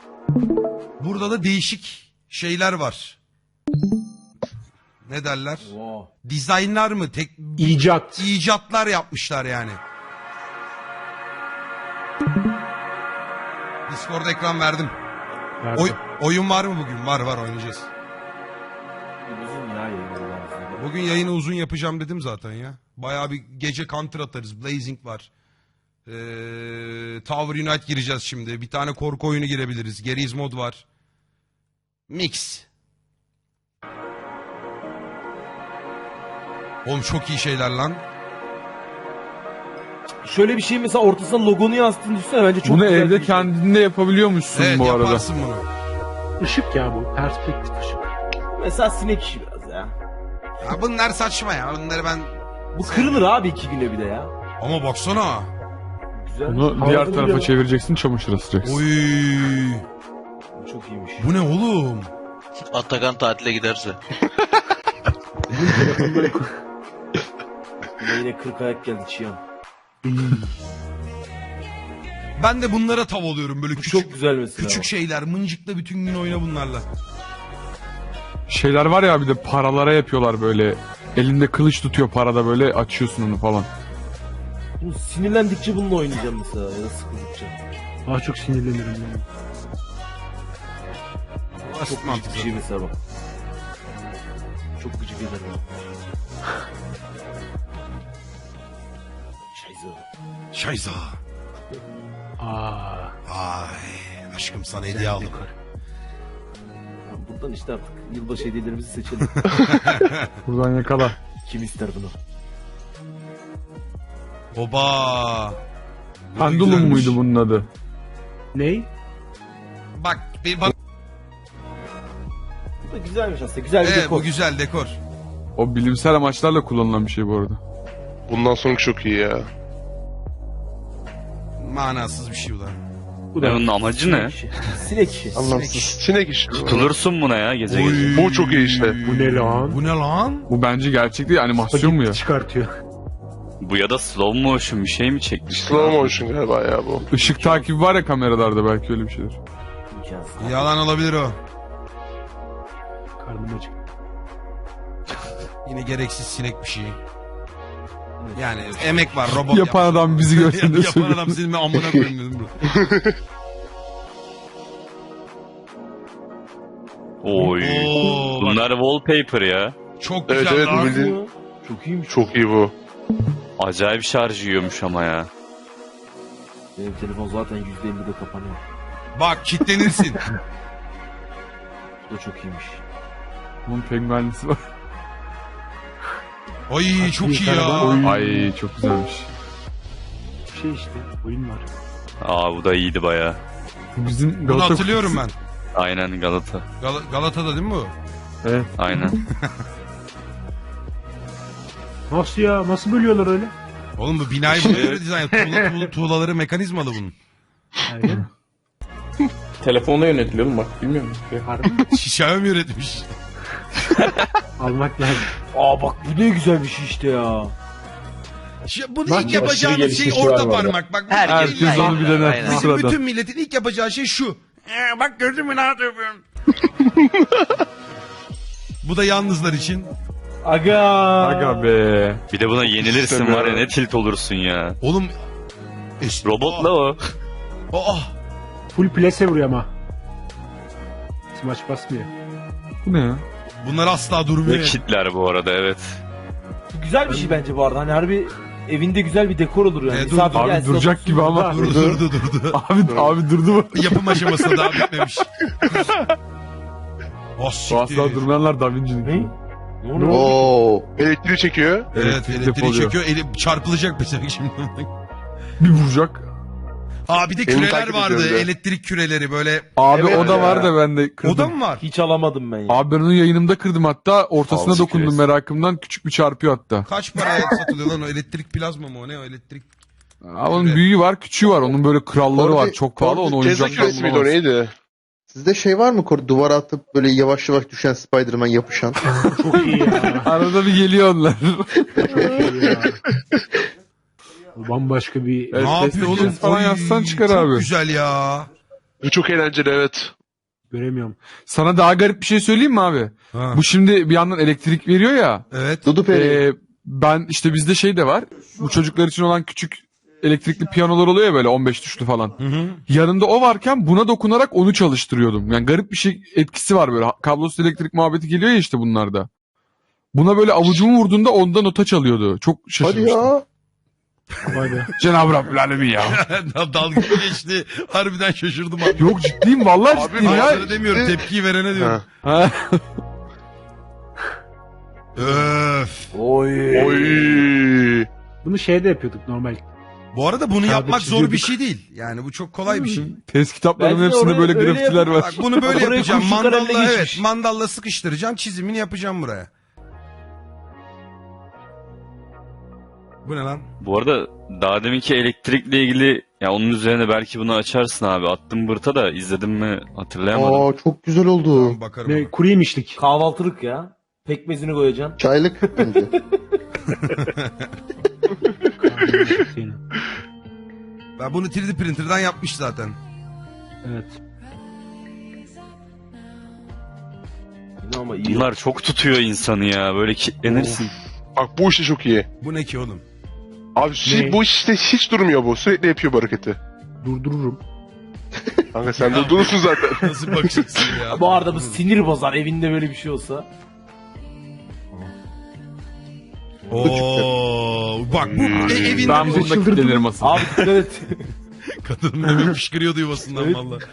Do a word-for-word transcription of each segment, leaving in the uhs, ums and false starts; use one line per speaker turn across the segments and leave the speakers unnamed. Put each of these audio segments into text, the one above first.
Burada da değişik şeyler var. Ne derler?
Wow.
Dizaynlar mı? Tek...
İcat.
İcatlar yapmışlar yani. Discord ekran verdim. Oy, oyun var mı bugün? Var var, oynayacağız.
Uzun ya yayınlar.
Bugün yayını uzun yapacağım dedim zaten ya. Bayağı bir gece counter atarız. Blazing var. Ee, Tower Unite gireceğiz şimdi. Bir tane korku oyunu girebiliriz. Geriz mod var. Mix. Oğlum çok iyi şeyler lan.
Şöyle bir şey mesela ortasına logonu yansıttığını düşünsene, bence çok
Bunu
güzel
evde
bir şey.
kendinde yapabiliyormuşsun
Evet,
bu arada.
yaparsın bunu.
Işık ya bu. Perspektif ışık.
Mesela sinek işi biraz ya.
Ya bunlar saçma ya. Bunları ben...
Bu kırılır abi iki güne bir de ya.
Ama baksana.
Güzel.
Bunu diğer tarafa çevireceksin, çamaşır asacaksın.
Oy.
Bu çok iyiymiş.
Bu ne oğlum?
Atakan tatile giderse.
Buna yine kırk ayak geldi Çiyan.
Ben de bunlara tav oluyorum böyle
Bu
küçük.
çok güzel mesela.
Küçük şeyler. Mıncıkla bütün gün oyna bunlarla.
Şeyler var ya, bir de paralara yapıyorlar böyle. Elinde kılıç tutuyor parada, böyle açıyorsun onu falan.
Bu sinirlendikçe bununla oynayacağım mesela ya da sıkıldıkça.
Daha çok sinirlenirim yani.
Çok gıcık bir şey mesela bak. Çok gıcık eder bana. Şayza.
Şayza.
Aa.
Ay aşkım sana hediye aldım.
Buradan işte artık yılbaşı hediyelerimizi seçelim.
Buradan yakala.
Kim ister bunu?
Oba. Bu da
Pendulum
güzelmiş.
muydu bunun adı?
Ney?
Bak bir bak.
Bu da güzelmiş aslında. Güzel bir
Evet,
dekor.
bu güzel dekor.
O bilimsel amaçlarla kullanılan bir şey bu arada.
Bundan sonra çok iyi ya.
Manasız bir şey bu da.
Bu
Ve bunun amacı ne?
İşi. Sinek işi.
Anlamsız. Sinek işi.
Tutulursun buna ya gece
Oy.
gece.
Bu çok iyi işte.
Bu ne lan?
Bu ne lan?
Bu bence gerçek değil, animasyon mu ya?
Çıkartıyor.
Bu ya da slow motion bir şey mi çekmiş?
Slow motion galiba ya bu.
Işık takibi var ya kameralarda, belki öyle bir şeydir.
İmkansız.
Yalan olabilir o.
Karnım acık.
Yine gereksiz sinek bir şey. Yani emek var, robot
Yapan
yapmış.
adam bizi görsün de
Yapan
söylüyor.
adam senin ben amına koyayım dedim bro.
Oy.
Oo, bak,
Bunlar wallpaper ya.
çok
Evet,
güzel
evet,
lan.
bu bildiğin-
Çok iyiymiş.
Çok iyi bu.
Acayip şarj yiyormuş ama ya.
Benim telefon zaten yüzde ellide kapanıyor.
Bak kitlenirsin.
Bu da çok iyiymiş.
Bunun penguenlisi var.
Ay çok iyi ya.
Oy.
Ay çok güzelmiş.
Şey işte. Oyun var.
Aa bu da iyiydi baya.
Bu bizim
Bunu
Galata
hatırlıyorum ben.
Aynen Galata.
Gal- Galata'da değil mi bu?
Evet.
Aynen.
Nasıl ya? Nasıl bölüyorlar öyle?
Oğlum bu binayı buna göre dizayn. Tuğla, tuğla, tuğlaları mekanizmalı bunun.
Aynen.
Telefonla yönetiliyor mu bak, bilmiyor musun?
Harbi mi?
Xiaomi üretmiş.
Almak lazım.
Aa bak bu ne güzel bir şey işte ya.
Şi- Bunu
Bak,
ilk
aşırı
yapacağınız şey
gelişmişi
orta
var bu arada.
parmak. Bak,
Herkes
illa-
onu bir dener.
Aynen.
Bu
Bizim
sırada.
bütün milletin ilk yapacağı şey şu. Ee, bak gördün mü ne yapıyorum? Bu da yalnızlar için.
Aga.
Aga be.
Bir de buna yenilirsin var ya, ne tilt olursun ya.
Oğlum. Es-
Robotla o.
Aa,
Full plase vuruyor ama. Smaç basmıyor.
Bu ne ya?
bunlar asla
Ve
durmuyor.
kitler bu arada, evet.
Bu güzel bir şey bence bu arada. Hani harbi evinde güzel bir dekor olur yani.
E, dur,
Misafir
Abi
gelse
duracak
otursun
gibi ama.
burada.
Durdu durdu durdu.
Abi abi durdu mu?
Yapım aşamasında daha bitmemiş. Oh
Bu
siktir.
asla durmayanlar Da Vinci'nin.
Ne? Ne oluyor?
Oo. Elektriği çekiyor.
Evet
Elektrik
elektriği
depoluyor.
çekiyor. Eli çarpılacak mesela şimdi.
Bir vuracak.
Aa bir de
Elini
küreler
takip
vardı.
ediyor bir de.
Elektrik küreleri böyle.
Abi
Evet
o da
ya.
var da ben de kırdım.
O da mı var?
Hiç alamadım ben ya.
Abi ben onu yayınımda kırdım hatta. Ortasına
Al,
dokundum
siktir
merakımdan. Küçük bir çarpıyor hatta.
Kaç paraya satılıyor lan o elektrik plazma mı o ne o elektrik?
Abi onun büyüğü var, küçüğü var. Onun böyle kralları
Orada-
var. Çok pahalı, onu
Tesla
oyuncaktan
küresi miydi o
bulamazsın.
neydi?
Sizde şey var mı? Kor duvara atıp böyle yavaş yavaş düşen Spider-Man yapışan.
Çok iyi ya.
Arada bir geliyor onlar.
Çok iyi ya. Bu bambaşka bir...
Evet,
Ne yapıyor
Tesla
oğlum?
küresi falan
Oy,
yazsan çıkar
çok
abi.
güzel ya.
Bu çok eğlenceli evet.
Göremiyorum.
Sana daha garip bir şey söyleyeyim mi abi?
Ha.
Bu şimdi bir yandan elektrik veriyor ya.
Evet.
Dudu Peri.
Ee, ben işte bizde şey de var. Bu çocuklar için olan küçük elektrikli piyanolar oluyor ya böyle on beş tuşlu falan.
Hı hı.
Yanında o varken buna dokunarak onu çalıştırıyordum. Yani garip bir şey etkisi var böyle. Kablosuz elektrik muhabbeti geliyor ya işte bunlarda. Buna böyle avucumu vurduğunda onda nota çalıyordu. Çok
Hadi
şaşırmıştım.
ya.
Vay be.
Cenab-ı Rabbül Alemin ya.
Dalga geçti. Harbiden şaşırdım abi.
Yok ciddiyim vallahi
Abi,
ciddiyim ya.
Sana demiyorum, tepkiyi verene diyorum.
Ha.
Ha.
Öf.
Oy.
Oy.
Bunu şeyde yapıyorduk normal.
Bu arada bunu
Kağıda
yapmak zor bir
çiziyorduk.
şey değil. Yani bu çok kolay bir şey.
Test kitaplarının
Bence
hepsinde
oraya
böyle
öyle
grafitiler var.
Bak bunu böyle
Oraya
yapacağım.
kurşun kalemle
Mandalla evet,
geçmiş.
mandalla sıkıştıracağım. Çizimini yapacağım buraya. Bu ne lan?
Bu arada daha deminki elektrikle ilgili ya onun üzerine belki bunu açarsın abi. Attım bırta da izledim mi hatırlayamadım.
Aa çok güzel oldu.
Tamam, bakarım.
Ne
ona.
kuru yemişlik.
Kahvaltılık ya. Pekmezini koyacaksın.
Çaylık bence.
Ben bunu üç D printer'dan yapmış zaten.
Evet.
Ama iyi.
Bunlar çok tutuyor insanı ya. Böyle kilitlenirsin.
Bak bu işte çok iyi.
Bu ne ki oğlum?
Abi şey,
Ne?
bu işte hiç durmuyor bu. Sürekli yapıyor bu hareketi.
Durdururum.
Kanka sen durdurursun zaten.
Nasıl bakacaksın ya?
Bu arada bu sinir bozar evinde böyle bir şey olsa.
Oo, bak bu e, evinde
Ben
bu.
bunda kilitlenirim asıl.
Abi dikkat et.
Kadın demin fışkırıyordu yuvasından
Evet.
valla.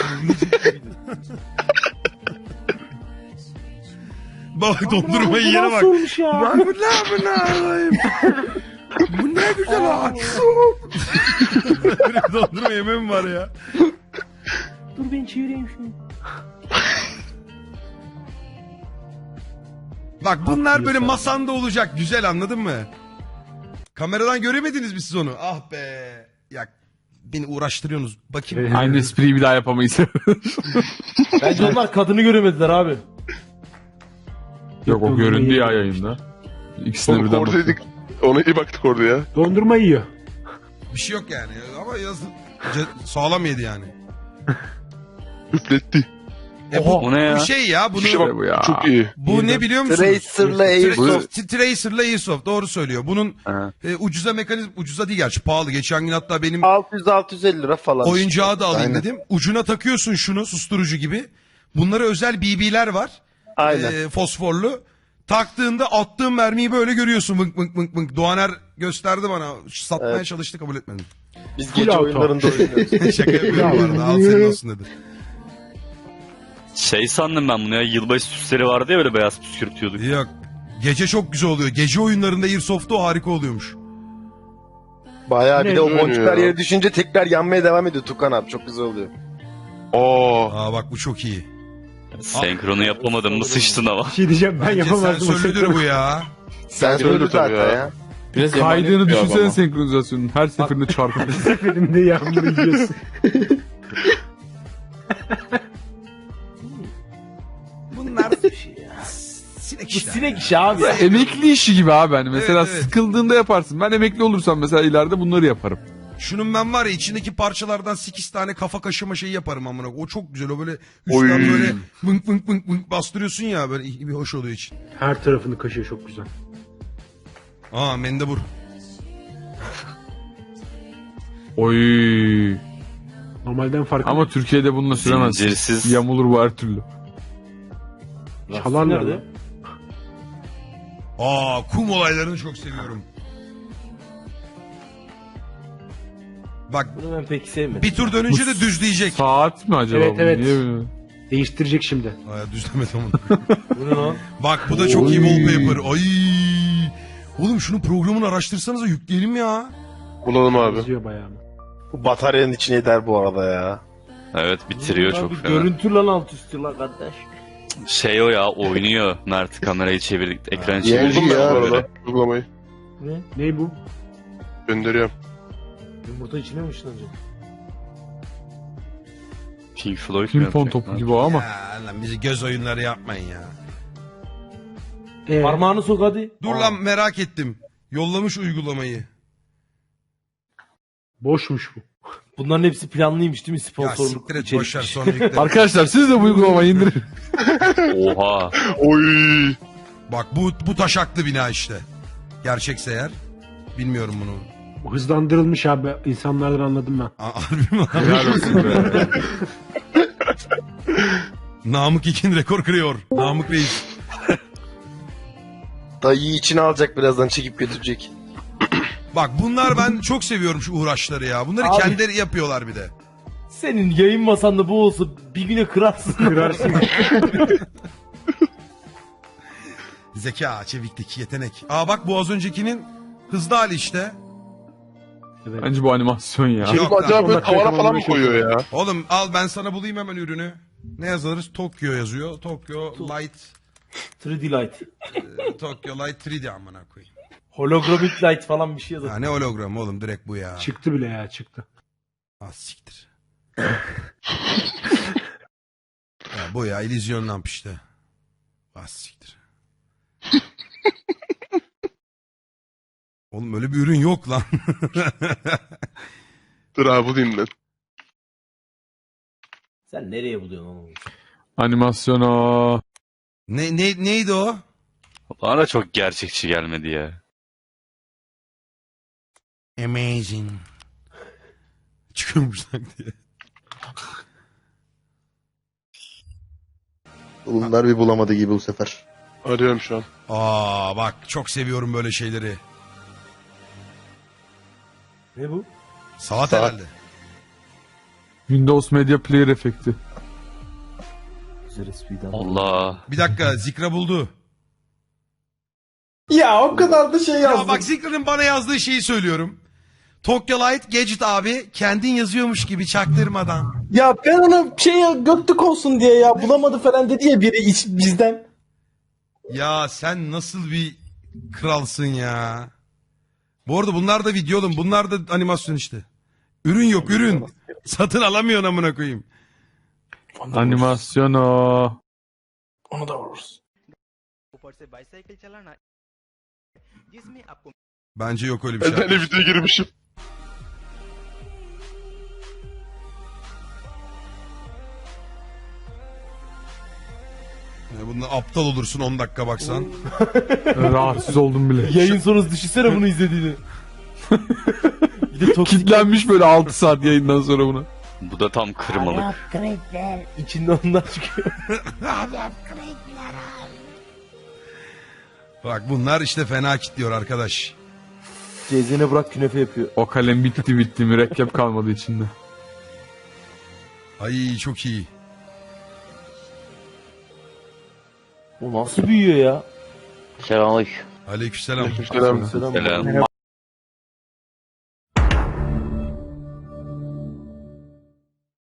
Bak dondurmayı yere bak.
olmuş ya?
Bak bu ne bu ne alayım? Bu ne güzel ha. Böyle bir dondurma yemem var ya.
Dur ben çevireyim şunu.
Bak bunlar böyle
diyorsun.
masanda olacak. Güzel, anladın mı? Kameradan göremediniz mi siz onu? Ah be. Ya beni uğraştırıyorsunuz. Bakayım.
Aynı espriyi bir daha yapamayız.
Bence onlar kadını göremediler abi.
Yok o göründü ya yayında. İkisine
Onu
birden
koordaydık.
bakıyor.
Ona iyi baktık orada ya.
Dondurma yiyor.
Bir şey yok yani. Ama yazın ce- sağlam yedi yani.
Üfletti.
E bu,
O ne ya?
bu şey ya. Bunu
İşte bak
bu ya.
çok iyi.
bu ne biliyor musunuz?
Tracer'la Airsoft.
Tra- Tracer'la Airsoft, doğru söylüyor. Bunun
Ha.
e, ucuza mekanizm, ucuza değil gerçi, pahalı. Geçen gün hatta benim
altı yüz altı yüz elli lira falan.
oyuncağı da alayım
Aynen.
dedim. Ucuna takıyorsun şunu, susturucu gibi. Bunlara özel B B'ler var.
Aynen.
E, fosforlu. Taktığında attığın mermiyi böyle görüyorsun. Vınk vınk vınk vınk. Doğaner gösterdi bana. Satmaya
Evet.
çalıştı, kabul etmedim.
Biz
Full
gece
auto.
oyunlarında oynuyoruz.
Şaka yapıyorum bu arada. Al senin olsun dedi.
Şey sandım ben bunu ya. Yılbaşı süsleri vardı ya böyle beyaz püskürtüyorduk.
Yok. Gece çok güzel oluyor. Gece oyunlarında Airsoft'ta o harika oluyormuş.
Bayağı bir
Ne
de o
oynuyor
boncuklar
ya?
yere düşünce tekrar yanmaya devam ediyor Tukan abi. Çok güzel oluyor.
Oo.
Aa bak bu çok iyi.
Senkronu yapamadım mı sıçtın ama.
Bir şey diyeceğim ben
Bence
yapamazdım. o
sensörlüdür
sefer.
bu ya.
Sen
Sensörlü
söyle
tabii
zaten
ya.
ya.
Biraz
Kaydığını
emanet
düşünsene
ama.
senkronizasyonun. Her seferinde çarpıyor.
Seferinde yağmur yiyorsun.
Bunlar sinek
Bu
işler.
sinek işi abi.
Emekli işi gibi abi hani. Mesela
Evet, evet.
sıkıldığında yaparsın. Ben emekli olursam mesela ileride bunları yaparım.
Şunun ben var ya, içindeki parçalardan sekiz tane kafa kaşıma şeyi yaparım amına. O çok güzel. O böyle
Oy.
üstten böyle vınk vınk vınk vınk bastırıyorsun ya, böyle bir hoş oluyor için.
Her tarafını kaşıyor çok güzel.
Aa mendebur.
Oy.
Normalden farklı.
Ama Türkiye'de bununla süremezsin.
Zincirsiz.
Yamulur bu her türlü.
Çalarlar
Nerede?
lan.
Aa kum olaylarını çok seviyorum. Bak
Bunu ben pek sevmedim.
bir tur dönünce de düzleyecek.
Saat mi acaba
Evet,
bu?
evet.
Niye böyle?
Değiştirecek şimdi.
Aa düzlemedi onu.
Bu ne lan?
Bak bu da çok iyi
Oy.
wallpaper. Ay. Oğlum şunun programını araştırsanıza, yükleyelim ya.
Bulalım abi.
Yazıyor bayağı. ama.
Bu bataryanın içine eder bu arada ya.
Evet bitiriyor
Lan
çok
bir
fena.
Görüntü lan alt üstü lan kardeş.
Şey o ya oynuyor. Mert kamerayı çevirdik. Ekranı
Yengi
çevirdik.
ya.
Buldum ben bu
Böyle.
arada. Uygulamayı.
Ne?
Ne bu?
Gönderiyorum.
Yumurta içine mi ışınlanacak?
Pink Floyd mu
Pimpon
yapacak
topu
lan?
gibi o ama.
Ya lan bizi göz oyunları yapmayın ya.
Ee,
Parmağını sok hadi.
Dur lan merak ettim. Yollamış uygulamayı.
Boşmuş bu.
Bunların hepsi planlıymış değil mi?
Ya
Sponsorluk
siktir et
içerik.
boşver sonra yükle.
Arkadaşlar siz de bu uygulamayı indirin.
Oha.
Oy.
Bak bu, bu taşaklı bina işte. Gerçekse eğer. Bilmiyorum bunu.
Hızlandırılmış abi. İnsanlardan anladım ben.
A- Harbi mi?
Helal olsun be.
Namık İkin rekor kırıyor. Namık Reis.
Dayıyı içine alacak birazdan çekip götürecek.
Bak bunlar ben çok seviyorum şu uğraşları ya. Bunları
Abi.
kendileri yapıyorlar bir de.
Senin yayın masanda bu olsa bir güne kırarsın.
Kırarsın.
Zeka, çeviklik, yetenek. Aa bak bu az öncekinin hızlı hali işte.
Evet.
Bence bu animasyon ya.
Yok
Çocuk
lan.
acaba böyle
on dakika
tavana falan mı
yakalamayı
koyuyor ya?
Oğlum al ben sana bulayım hemen ürünü. Ne yazarız? Tokyo yazıyor. Tokyo Light.
üç D Light.
e, Tokyo Light üç D amına koyayım.
Holographic Light falan bir şey yazar.
Ya ne hologram oğlum direkt bu ya.
Çıktı bile ya çıktı.
Az siktir. Ya bu ya illüzyon lamp işte. Az siktir. Oğlum öyle bir ürün yok lan.
Dur abi bulayım ben.
Sen nereye buluyorsun onu?
Animasyon o.
ne, ne, neydi o?
Bana da çok gerçekçi gelmedi ya.
Amazing. Çıkıyormuş lan diye.
Bunlar bir bulamadı gibi bu sefer.
Arıyorum şu an.
Aa bak çok seviyorum böyle şeyleri.
Ne bu?
Saat,
Saat.
herhalde.
Windows Media Player efekti.
Güzel espriydi.
Allah.
Bir dakika Zikra buldu.
Ya o kadar da şey
Ya bak Zikra'nın bana yazdığı şeyi söylüyorum. Tokyo Light Gadget abi kendin yazıyormuş gibi çaktırmadan.
Ya ben ona şey göktük olsun diye ya bulamadı falan dedi ya biri iç, bizden.
Ya sen nasıl bir kralsın ya. Bu arada bunlar da video oğlum. Bunlar da animasyon işte. Ürün yok ürün. Satın alamıyorsun amına koyayım.
Animasyon o.
Onu da vururuz.
Bence yok öyle bir şey.
Ben de videoya girmişim.
Ya bundan aptal olursun on dakika baksan.
Rahatsız oldum bile.
Yayın sonrası düşünsene bunu izlediğini. Bir de toksik
Kitlenmiş böyle altı saat yayından sonra buna.
Bu da tam kırmalık.
içinde ondan çıkıyor.
Bak bunlar işte fena kitliyor arkadaş.
Cezene bırak künefe yapıyor.
O kalem bitti bitti. Mürekkep kalmadı içinde.
Ay çok iyi.
O nasıl büyüyor ya?
Selamünaleyküm.
Aleykümselam.
Selam.
Selam.